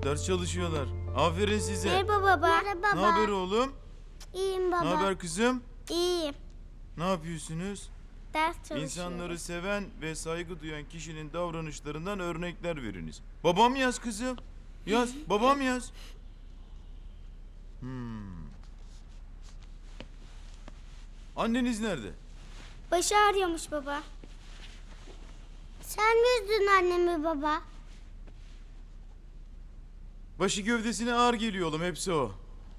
Ders çalışıyorlar. Aferin size. Merhaba baba. Merhaba Ne haber oğlum? İyiyim baba. Ne haber kızım? İyiyim. Ne yapıyorsunuz? Ders çalışıyorum. İnsanları seven ve saygı duyan kişinin davranışlarından örnekler veriniz. Babam yaz kızım. Yaz. Babam yaz. Anneniz nerede? Başı ağrıyormuş baba. Sen mi üzdün annemi baba? Başı gövdesine ağır geliyor oğlum. Hepsi o.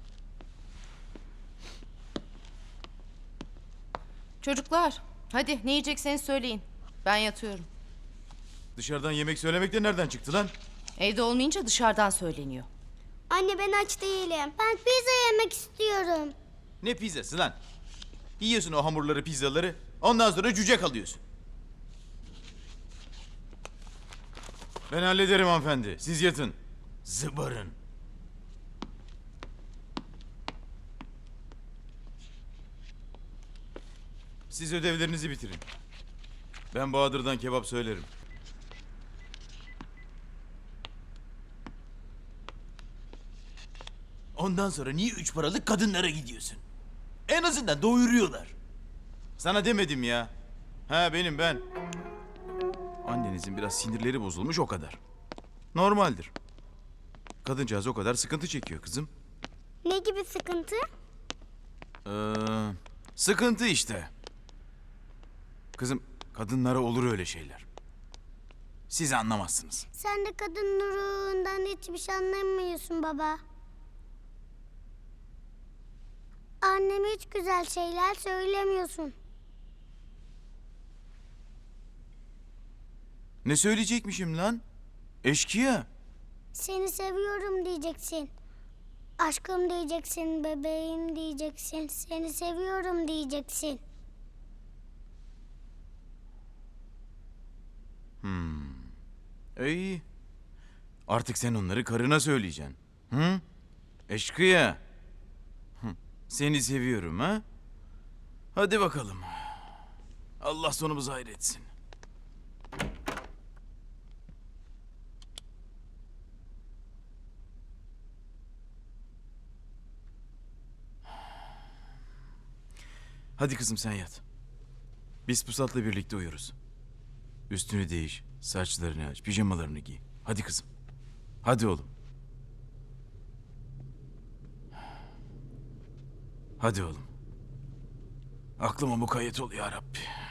Çocuklar, hadi ne yiyecekseniz söyleyin. Ben yatıyorum. Dışarıdan yemek söylemek de nereden çıktı lan? Evde olmayınca dışarıdan söyleniyor. Anne ben aç değilim. Ben pizza yemek istiyorum. Ne pizzası lan? Yiyorsun o hamurları, pizzaları. Ondan sonra cüce kalıyorsun. Ben hallederim hanımefendi. Siz yatın. Zıbarın. Siz ödevlerinizi bitirin. Ben Bahadır'dan kebap söylerim. Ondan sonra niye 3 paralık kadınlara gidiyorsun? En azından doyuruyorlar. Sana demedim ya. Ha benim ben. Annenizin biraz sinirleri bozulmuş o kadar. Normaldir. Kadıncağız o kadar sıkıntı çekiyor kızım. Ne gibi sıkıntı? Sıkıntı işte. Kızım kadınlara olur öyle şeyler. Siz anlamazsınız. Sen de kadın ruhundan hiçbir şey anlamıyorsun baba. Anneme hiç güzel şeyler söylemiyorsun. Ne söyleyecekmişim lan? Eşkıya. Seni seviyorum diyeceksin. Aşkım diyeceksin, bebeğim diyeceksin. Seni seviyorum diyeceksin. İyi. Artık sen onları karına söyleyeceksin. Hı? Eşkıya. Hı. Seni seviyorum ha? Hadi bakalım. Allah sonumuzu hayretsin. Hadi kızım sen yat. Biz Pusat'la birlikte uyuruz. Üstünü değiş, saçlarını aç, pijamalarını giy. Hadi kızım. Hadi oğlum. Hadi oğlum. Aklıma mukayyet ol ya Rabbi.